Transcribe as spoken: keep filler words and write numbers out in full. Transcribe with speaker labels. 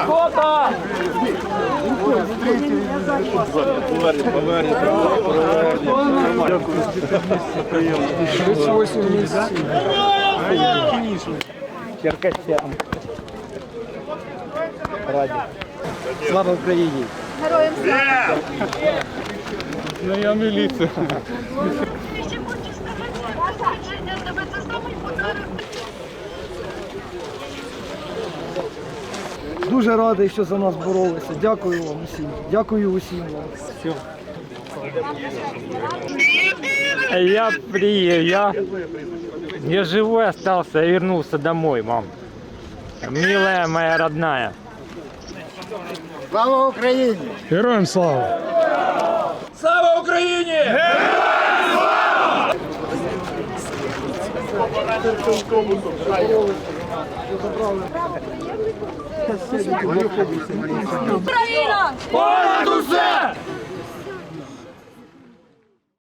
Speaker 1: Фото! Черкасян. Раді. Слава Україні!
Speaker 2: Героям слава!
Speaker 1: Ну я міліція.
Speaker 2: Ще хочеш сказати, тебе це самий подарунок.
Speaker 3: Дуже радий, що за нас боролися. Дякую вам усім. Дякую усім вам.
Speaker 1: Все. Я приехал, я, я живой остался, я вернулся домой, мам. Милая моя родная.
Speaker 3: Слава Україні!
Speaker 1: Героям слава! Слава Україні!
Speaker 2: Україна!